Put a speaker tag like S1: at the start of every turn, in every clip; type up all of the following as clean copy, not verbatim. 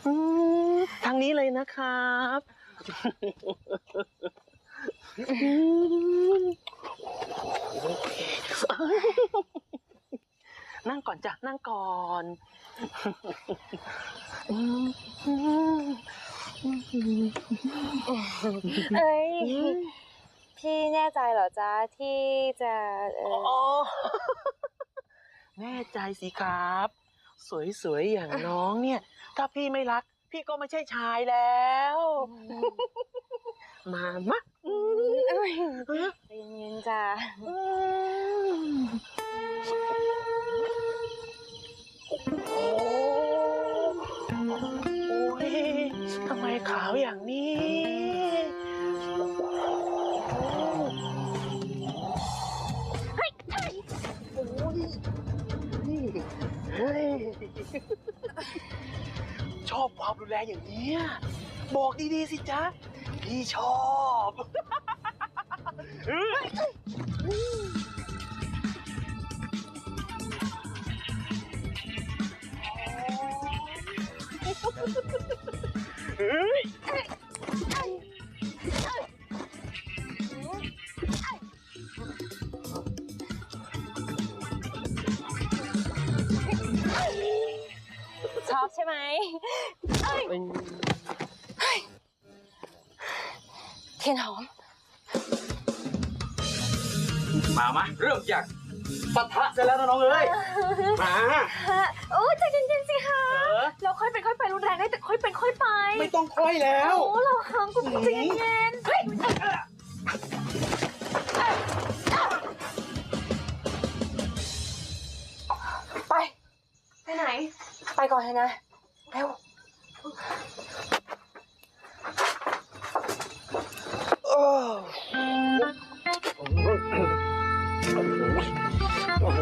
S1: ทางนี้เลยนะครับนั่งก่อนจ้ะนั่งก่อน
S2: เอ้ยพี่แน่ใจเหรอจ๊ะที่จะ
S1: อ๋อแน่ใจสิครับ สวยๆอย่างน้องเนี่ย ถ้าพี่ไม่รัก พี่ก็ไม่ใช่ชายแล้วมา
S2: ใจเย็นๆจ้ะ
S1: โอ้ยทำไมขาวอย่างนี้ชอบความรุนแรงอย่างนี้บอกดีๆสิจ๊ะ พี่ชอบ
S2: ชอบใช่ไหมเทียนหอม
S1: มาเริ่มจากปะทะกันแล้วนะน้องเอ้ยมา
S2: โอ้ใจเย็นๆสิคะเราค่อยเป็นค่อยไปรุนแรงได้แต่ค่อยเป็นค่อยไป
S1: ไม่ต้องค่อยแล้ว
S2: โอ้เราค้างกูใจเย็นๆเฮ้ยไปไหนไปก่อนเลยนะเร็ว
S1: โอ้โห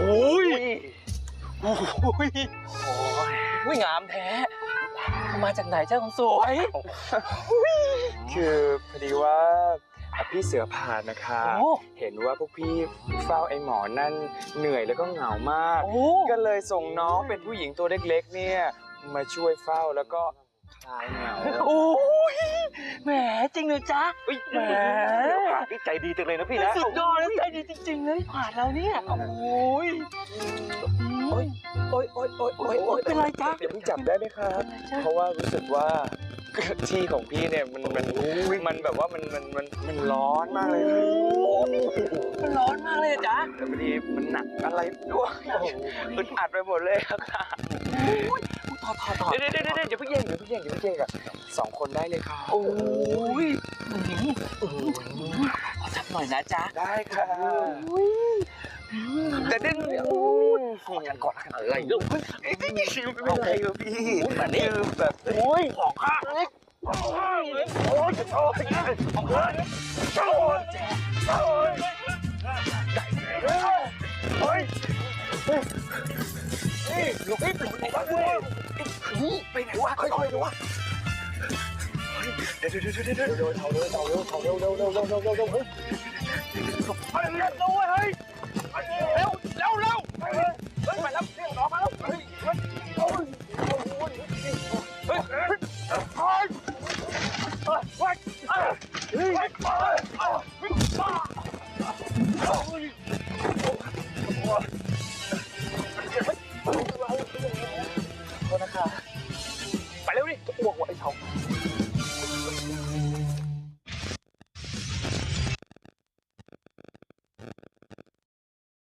S1: งามแท้มาจากไหนเจ้าคนสวย
S3: คือพอดีว่าพี่เสือผ่านนะคะเห็นว่าพวกพี่เฝ้าไอ้หมอนั่นเหนื่อยแล้วก็เหงามากก็เลยส่งน้องเป็นผู้หญิงตัวเล็กๆเนี่ยมาช่วยเฝ้าแล้วก็คลายเหงา
S1: โอ้ยแหมจริงเลยจ๊ะแหม
S3: พี่ใจดีจังเลยนะพี่นะ
S1: สุดยอดเลยใจดีจริงๆเลยผ่านเราเนี่ยโอ้ยเป็นไรจ๊ะ
S3: เดี๋ยวพี่จับได้ไหมครับเพราะว่ารู้สึกว่าที่ของพี่เนี่ยมันแบบว่ามันร้อนมากเลย
S1: มันร้อนมากเลยจ๊ะ
S3: แต่พอดีมันหนักอะไรด้วยอึดอัดไปหมดเลยครับต่อเดี๋ยวอย่าเพิ่งแย่งอ่ะ2 คนได้เลยครับ
S1: โอ้ยขอจับหน่อยนะจ๊ะ
S3: ได้ค่ะแต่ดึงขอกันก่อนอะไรลูกไม่เป็นไรครับพี่
S1: แบบนี้
S3: แบบ
S1: ของข้า
S3: ลูกไปไหนวะค่อยๆดูวะเดี๋ยวเร็วไปเร็วด้วยเฮ้ยเร็วไปแล้วเรียกน้องมาแล้วโทษนะคะไปเร็วดิจะอ้วกว่ะไอ้เฉา